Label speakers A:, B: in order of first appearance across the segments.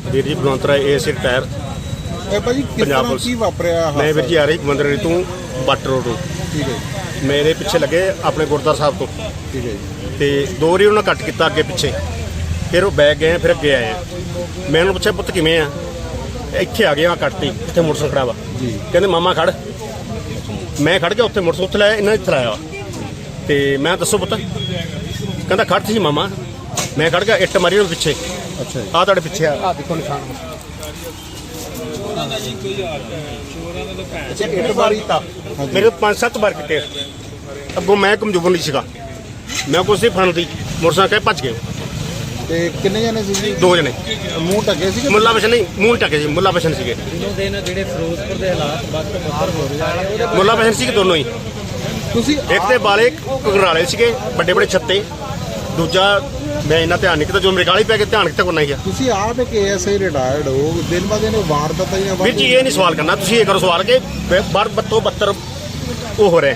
A: ਵੀਰ ਜੀ ਬਲਵੰਤ ਰਾਏ ASA retire
B: ਇਹ ਭਾਜੀ ਕਿਸ ਤਰ੍ਹਾਂ ਕੀ ਵਾਪਰਿਆ?
A: ਮੈਂ ਵੀਰ ਜੀ ਆ ਰਹੀ ਮੰਦਰ ਤੋਂ ਬੱਟ ਰੋਡ ਤੋਂ।
B: ਠੀਕ ਹੈ
A: ਮੇਰੇ ਪਿੱਛੇ ਲੱਗੇ ਆਪਣੇ ਗੁਰਦੁਆਰਾ ਸਾਹਿਬ ਤੋਂ।
B: ਠੀਕ ਹੈ ਜੀ।
A: ਤੇ ਦੋ ਵਾਰੀ ਉਹਨਾਂ ਕੱਟ ਕੀਤਾ ਅੱਗੇ ਪਿੱਛੇ, ਫਿਰ ਉਹ ਬੈਗ ਗਏ ਫਿਰ ਅੱਗੇ ਆਏ। ਮੈਂ ਉਹਨੂੰ ਪੁੱਛਿਆ ਪੁੱਤ ਕਿਵੇਂ ਆ? ਇੱਥੇ ਆ ਗਿਆ ਕੱਟਤੀ, ਇੱਥੇ ਮੋਟਰਸਾਈਕਲ ਖੜਾ ਵਾ
B: ਜੀ।
A: ਕਹਿੰਦੇ ਮਾਮਾ ਖੜ। ਮੈਂ ਖੜ ਗਿਆ ਉੱਥੇ, ਮੋਟਰਸਾਈਕਲ ਉੱਥੇ ਲਾਇਆ, ਇਹਨਾਂ ਨੇ ਇੱਥੇ ਲਾਇਆ। ਤੇ ਮੈਂ ਦੱਸੋ ਪੁੱਤ? ਕਹਿੰਦਾ ਖੜ ਸੀ ਮਾਮਾ। ਮੈਂ ਖੜ ਗਿਆ, ਇੱਟ ਮਾਰੀ ਉਹਦੇ ਪਿੱਛੇ।
B: ਅੱਛਾ ਜੀ।
A: ਆਹ ਤੁਹਾਡੇ ਪਿੱਛੇ ਆ ਦੇਖੋ ਨਿਸ਼ਾਨ। ਇੱਟ ਮਾਰੀ ਤਾਂ ਮੇਰੇ 5-7 ਵਾਰ ਕਿਤੇ ਅੱਗੋਂ ਮੈਂ ਕਮਜ਼ੋਰ ਨਹੀਂ ਸੀਗਾ, ਮੈਂ ਕੁਛ ਨਹੀਂ ਫੜਦੀ ਮੋਟਰਸਾਈਕਲ ਭੱਜ ਗਏ।
B: ਤੇ ਕਿੰਨੇ ਜਣੇ ਸੀ ਜੀ?
A: 2 ਜਣੇ।
B: ਮੂੰਹ ਢੱਕੇ ਸੀ?
A: ਮੁੱਲਾ ਬਸ਼ਨ ਨਹੀਂ, ਮੂੰਹ ਢੱਕੇ ਸੀ। ਮੁੱਲਾ ਬਸ਼ਨ ਸੀਗੇ।
C: ਦਿਨੋਂ ਦਿਨ ਜਿਹੜੇ ਫਿਰੋਜ਼ਪੁਰ ਦੇ ਹਾਲਾਤ ਬੱਤਰ ਹੋ ਰਹੇ ਆ।
A: ਮੁੱਲਾ ਬਸ਼ਨ ਸੀਗੇ ਦੋਨੋਂ ਹੀ।
B: ਤੁਸੀਂ
A: ਇੱਕ ਤੇ ਬਾਲੇ ਘਗਰਾਲੇ ਸੀਗੇ ਵੱਡੇ ਵੱਡੇ ਛੱਤੇ, ਦੂਜਾ ਮੈਂ ਇੰਨਾ ਧਿਆਨ ਨਹੀਂ ਕੀਤਾ, ਜੋ ਮੇਰੇ ਗਾਲੀ ਪੈ ਕੇ ਧਿਆਨ ਕਿਤੇ ਕੋਲ ਨਹੀਂ ਗਿਆ।
B: ਤੁਸੀਂ ਆਪ ਇੱਕ ਏਐਸਆਈ ਰਿਟਾਇਰਡ ਹੋ, ਦਿਨ ਬ ਦਿਨ ਵਾਰਦਾਤਾਂ ਹੀ
A: ਵੀਰ ਜੀ ਇਹ ਨਹੀਂ ਸਵਾਲ ਕਰਨਾ, ਤੁਸੀਂ ਇਹ ਕਰੋ ਸਵਾਲ ਕਿ ਬਾਰ ਬੱਤੋਂ ਬੱਤਰ ਉਹ ਹੋ ਰਿਹਾ।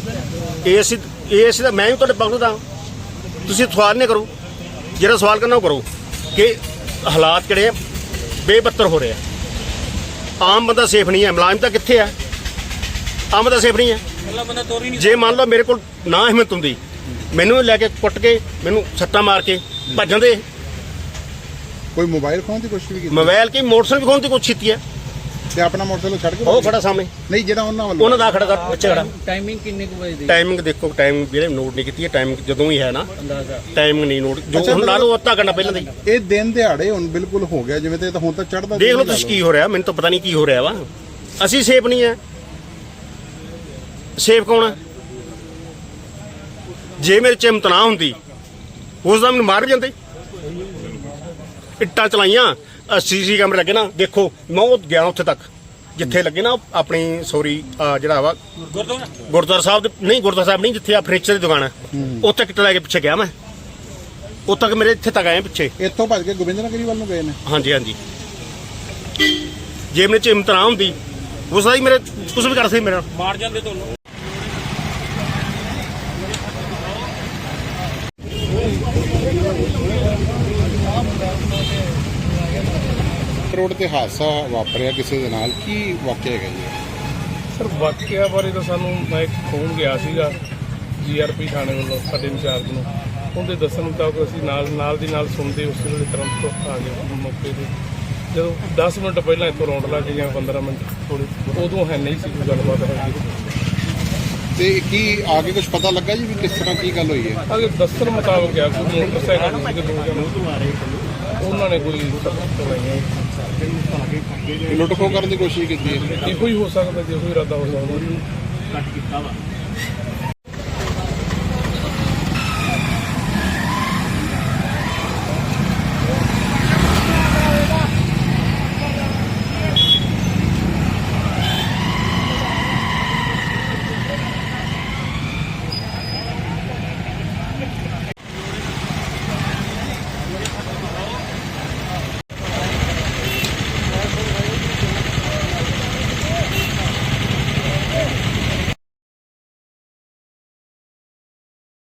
A: ਇਹ ਦਾ ਮੈਂ ਵੀ ਤੁਹਾਡੇ ਪੱਖ ਦਾ, ਤੁਸੀਂ ਸਵਾਲ ਨਹੀਂ ਕਰੋ। ਜਿਹੜਾ ਸਵਾਲ ਕਰਨਾ ਉਹ ਕਰੋ ਕਿ ਹਾਲਾਤ ਕਿਹੜੇ ਬੇਬੱਤਰ ਹੋ ਰਹੇ ਆ। ਆਮ ਬੰਦਾ ਸੇਫ ਨਹੀਂ ਹੈ, ਮੁਲਾਜ਼ਮ ਤਾਂ ਕਿੱਥੇ ਆ? ਆਮ ਬੰਦਾ ਸੇਫ ਨਹੀਂ ਹੈ। ਜੇ ਮੰਨ ਲਓ ਮੇਰੇ ਕੋਲ ਨਾ ਹਿੰਮਤ ਹੁੰਦੀ, ਮੈਨੂੰ ਲੈ ਕੇ ਕੁੱਟ ਕੇ ਮੈਨੂੰ ਸੱਟਾਂ ਮਾਰ ਕੇ ਭੱਜ ਜਾਂਦੇ।
B: ਕੋਈ ਮੋਬਾਈਲ ਖੋਹਣ ਦੀ ਕੋਸ਼ਿਸ਼ ਵੀ ਕੀਤੀ?
A: ਮੋਬਾਈਲ ਕੀ ਮੋਟਰਸਾਈਕਲ ਵੀ ਖੋਹਣ ਦੀ ਕੋਸ਼ਿਸ਼ ਕੀਤੀ ਹੈ।
B: ਤੇ ਆਪਣਾ ਮੋਟਰਸਾਈਕਲ ਛੱਡ ਕੇ
A: ਉਹ ਖੜਾ ਸਾਹਮਣੇ,
B: ਨਹੀਂ ਜਿਹੜਾ ਉਹਨਾਂ ਵੱਲੋਂ
A: ਉਹਨਾਂ ਦਾ ਖੜਾ ਪਿੱਛੇ ਖੜਾ।
C: ਟਾਈਮਿੰਗ ਕਿੰਨੇ ਕੁ ਵਜੇ ਦੀ?
A: ਟਾਈਮਿੰਗ ਦੇਖੋ, ਟਾਈਮਿੰਗ ਵੀਰੇ ਨੋਟ ਨਹੀਂ ਕੀਤੀ ਹੈ। ਟਾਈਮਿੰਗ ਜਦੋਂ ਹੀ ਹੈ ਨਾ,
C: ਅੰਦਾਜ਼ਾ
A: ਟਾਈਮਿੰਗ ਨਹੀਂ ਨੋਟ, ਜੋ ਹੁਣ ਲਾ ਲਓ ਅੱਧਾ ਘੰਟਾ ਪਹਿਲਾਂ ਦੀ।
B: ਇਹ ਦਿਨ ਦਿਹਾੜੇ ਹੁਣ ਬਿਲਕੁਲ ਹੋ ਗਿਆ ਜਿਵੇਂ ਤੇ ਹੁਣ ਤਾਂ ਚੜਦਾ।
A: ਦੇਖ ਲਓ ਤੁਸੀਂ ਕੀ ਹੋ ਰਿਹਾ, ਮੈਨੂੰ ਤਾਂ ਪਤਾ ਨਹੀਂ ਕੀ ਹੋ ਰਿਹਾ ਵਾ। ਅਸੀਂ ਸੇਫ ਨਹੀਂ ਹੈ। ਸੇਫ ਕੌਣ ਹੈ? ਜੇ ਮੇਰੇ ਚ ਹਿੰਮਤ ਨਾ ਹੁੰਦੀ ਉਸ ਦਾ ਮੈਨੂੰ ਮਾਰ ਵੀ ਜਾਂਦੇ। ਇੱਟਾਂ ਚਲਾਈਆਂ, ਸੀਸੀ ਕੈਮਰੇ ਲੱਗੇ ਨਾ, ਦੇਖੋ ਮੈਂ ਉਹ ਗਿਆ ਉੱਥੇ ਤੱਕ ਜਿੱਥੇ ਲੱਗੇ ਨਾ ਆਪਣੀ ਜਿਹੜਾ ਵਾ ਗੁਰਦੁਆਰਾ ਸਾਹਿਬ ਦੇ, ਨਹੀਂ ਗੁਰਦੁਆਰਾ ਸਾਹਿਬ ਨਹੀਂ, ਜਿੱਥੇ ਆ ਫਰਨੀਚਰ ਦੀ ਦੁਕਾਨ ਹੈ, ਉੱਥੇ ਕਿੱਟ ਲੈ ਕੇ ਪਿੱਛੇ ਗਿਆ ਮੈਂ। ਉੱਥੇ ਤੱਕ ਮੇਰੇ ਇੱਥੇ ਤੱਕ ਆਏ ਪਿੱਛੇ।
B: ਇੱਥੋਂ ਭੱਜ ਕੇ ਗੋਬਿੰਦ ਨਗਰੀ ਵੱਲ ਨੂੰ ਗਏ ਨੇ?
A: ਹਾਂਜੀ ਹਾਂਜੀ। ਜੇ ਮੇਰੇ ਚ ਹਿੰਮਤ ਨਾ ਹੁੰਦੀ ਉਸ ਦਾ ਹੀ ਮੇਰੇ ਕੁਝ ਵੀ ਕਰ ਸਕਦੇ, ਮੇਰਾ ਮਾਰ ਜਾਂਦੇ ਤੁਹਾਨੂੰ।
B: ਰੋਡ ਤੇ ਹਾਦਸਾ ਵਾਪਰਿਆ ਕਿਸੇ ਦੇ ਨਾਲ, ਕੀ ਵਾਕਿਆ ਹੈਗਾ ਜੀ?
D: ਸਰ ਵਾਕਿਆ ਬਾਰੇ ਤਾਂ ਸਾਨੂੰ ਮੈਂ ਇੱਕ ਫੋਨ ਗਿਆ ਸੀਗਾ ਜੀਆਰਪੀ ਥਾਣੇ ਵੱਲੋਂ ਸਾਡੇ ਇੰਚਾਰਜ ਨੂੰ। ਉਹਦੇ ਦੱਸਣ ਮੁਤਾਬਕ ਅਸੀਂ ਨਾਲ ਦੀ ਨਾਲ ਸੁਣਦੇ ਉਸੇ ਵੇਲੇ ਤੁਰੰਤ ਆ ਗਏ ਮੌਕੇ 'ਤੇ। ਜਦੋਂ 10 ਮਿੰਟ ਪਹਿਲਾਂ ਇੱਥੋਂ ਰੌਂਡ ਲੱਗ ਗਿਆ, 15 ਮਿੰਟ ਥੋੜ੍ਹੀ, ਉਦੋਂ ਹੈ ਨਹੀਂ ਸੀ ਕੋਈ ਗੱਲਬਾਤ ਹੈਗੀ।
B: ਤੇ ਕੀ ਆਗੇ ਕੁਝ ਪਤਾ ਲੱਗਾ ਜੀ ਵੀ ਕਿਸ ਤਰ੍ਹਾਂ ਕੀ ਗੱਲ ਹੋਈ ਹੈ?
D: ਅਗੇ ਦੱਸਣ ਮੁਤਾਬਕ ਗਿਆ ਕੋਈ ਮੋਟਰਸਾਈਕਲ ਸੀਗੇ 2 ਜਣੇ, ਉਹਨਾਂ ਨੇ ਕੋਈ ਚਲਾਈਆਂ।
B: ਲੁੱਟ ਖੋਹ ਕਰਨ ਦੀ ਕੋਸ਼ਿਸ਼ ਕੀਤੀ ਹੈ?
D: ਇਹੋ ਹੀ ਹੋ ਸਕਦਾ, ਜੇ ਕੋਈ ਇਰਾਦਾ ਹੋ ਸਕਦਾ।